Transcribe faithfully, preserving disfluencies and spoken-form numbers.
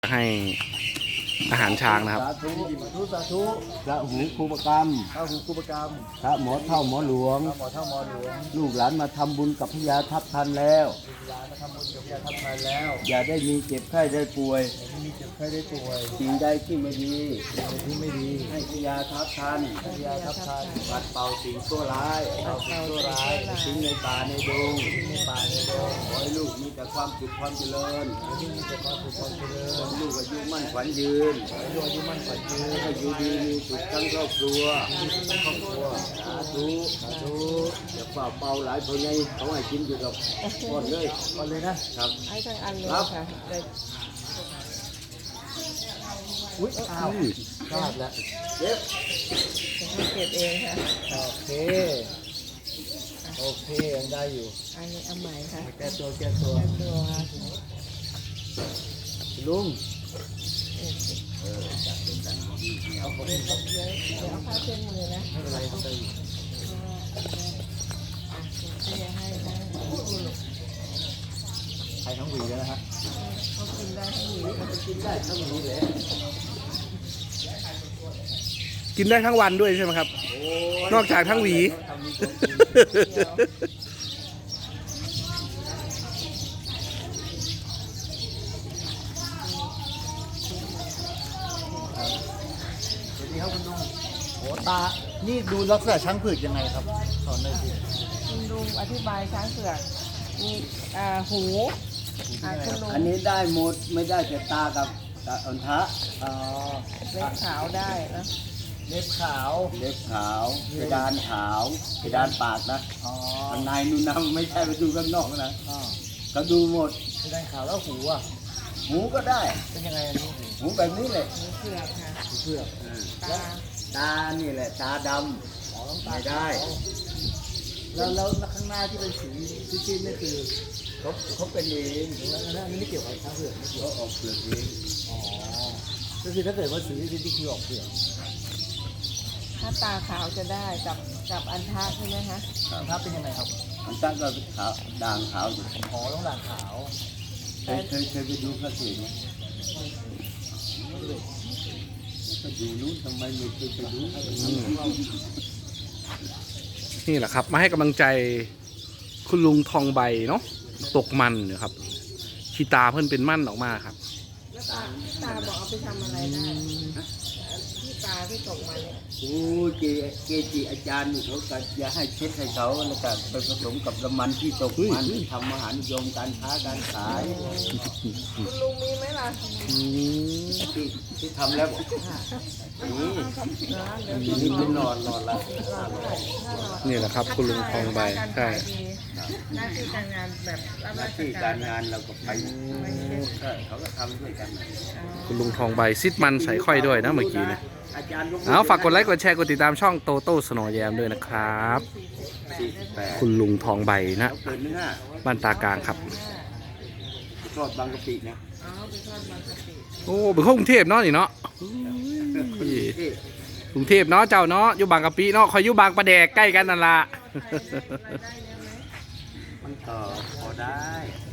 ให้อาหารช้างนะครับสาธุสาธุสาธุพระหูครูประกรรมพระหูครูประกรรมพระหมอเท่าหมอหลวงพระหมอเท่าหมอหลวงลูกหลานมาทำบุญกับพญาทัพทันแล้วลูกหลานมาทำบุญกับพญาทัพทันแล้วอย่าได้มีเจ็บไข้ได้ป่วยไม่มีเจ็บไข้ได้ป่วยสิ่งใดที่ไม่ดีสิ่งที่ไม่ดีให้พญาทัพทันพญาทัพทันปัดเป่าสิ่งชั่วร้ายเอาสิ่งชั่วร้ายทิ้งในป่าในดงในป่าในดงขอให้ลูกมีแต่ความสุขความเจริญที่มีแต่ความสุขความเจริญขอให้ลูกอายุมั่นขวัญยืนอายุอายุมั่นขวัญยืนให้อยู่ดีมีสุขทั้งครอบครัวมีทั้งครอบครัวสาธุสาธุอย่าเป่าเป่าหลายคนไงเขาให้กินอยู่กับก้อนเลยก่อนเลยนะครับไอ้ทั้งอันเลยครับค่ะแต่อุ้ยอ้าวพลาดแล้วเจ็บจะให้เก็บเองค่ะโอเคโอเคยังได้อยู่อันนี้เอาใหม่ค่ะแก้ตัวแก้ตัวแค่ตัวค่ะลุงเอาผมเดี๋ยวเดี๋ยวเดี๋ยวเอาผ้าเช็ดมือนะไม่เป็นไรครับได้อยู่อ่ะเดี๋ยวให้นะใครทั้งหวีแล้วนะฮะเขากินได้ทั้งหวีกินได้ทั้งนี้เลยกินได้ทั้งวันด้วยใช่ไหมครับ นอกจากทั้งหวีเดี๋ยวสวัสดีครับคุณลุงโอ้ตา นี่ดูลักษณะช้างเผือกยังไงครับสอนหน่อยสิคุณลุงอธิบายช้างเผือกมีอ่าหูอ่าคุณลุงอันนี้ได้หมดไม่ได้แต่ตากับตาอันทะอ๋อเล็บขาวได้นะเล็บขาวเล็บขาวเพดานขาวเพดานปากนะอ๋อข้างในนู่นนะไม่ใช่ไปดูข้างนอกนะอ๋อก็ดูหมดเพดานขาวแล้วหูอ่ะหูก็ได้เป็นยังไงอันนี้หูหูแบบนี้เลยหูเผือกค่ะหูเผือกตาตานี่แหละตาดอ๋อต้องำตาไม่ได้ขาวแล้วแล้วข้างหน้าที่เป็นสีชิ้นๆนี่คือเขาเขาเป็นเองแล้วอันนี้ไม่เกี่ยวกับช้างเผือกไม่เกี่ยวเขาออกเปลือกเองอ๋อก็คือถ้าเกิดว่าสีชิ้นที่คือออกเผือกถ้าตาขาวจะได้กับกับอันทะใช่ไหมคะถ้าเป็นยังไงครับอันตั้งก็ขาวด่างขาวอยู่อ๋อต้องด่างขาวเคยเคยเคยไปดูพระเศษไหมก็อยู่นู้นทำไมไม่เคยไปดูนี่แหละครับ มาให้กำลังใจคุณลุงทองใบเนาะตกมันเนี่ยครับชีตาเพิ่นเป็นมั่นออกมาครับแล้วตาตาบอกเอาไปทำอะไรได้ที่ตาที่ตกมาเนี่ยโอ้เจเกจิอาจารย์นี่เขาก็อย่าให้เช็ดให้เขาแล้วก็ไปผสมกับน้ำมันที่ตกมันทำอาหารนิยมการค้าการขายคุณลุงมีไหมล่ะที่ที่ทำแล้วบอกนี่นะเดี๋ยวทีนี้เป็นนอนนอนละนี่แหละครับ คุณลุงทองใบใช่หน้าที่การงานแบบรับหน้าราชที่กาการ รงานเราก็ไปใช่เขาก็ทำด้วยกันนะคุณลุงทองใบซิดมันใส่ค่อยด้วยนะเมื่อกี้เนะอาจารย์ยกมืเอาฝากกดไลค์กดแชร์กดติดตามช่องโตโต้สโนว์แยมด้วยนะครับสี่สิบแปดคุณลุงทองใบนะเขาเกินเนื้อบ้านตากลางครับทอดบางกะปินะอ๋อไปทอดบางกะปิโอ้เป็นคนกรุงเทพเนาะนี่เนาะที่กรุงเทพเนาะเจ้าเนาะอยู่บางกะปิเนาะคอยอยู่บางประแดกใกล้กันนั่นละได้เยอะไหมมันต่อพอได้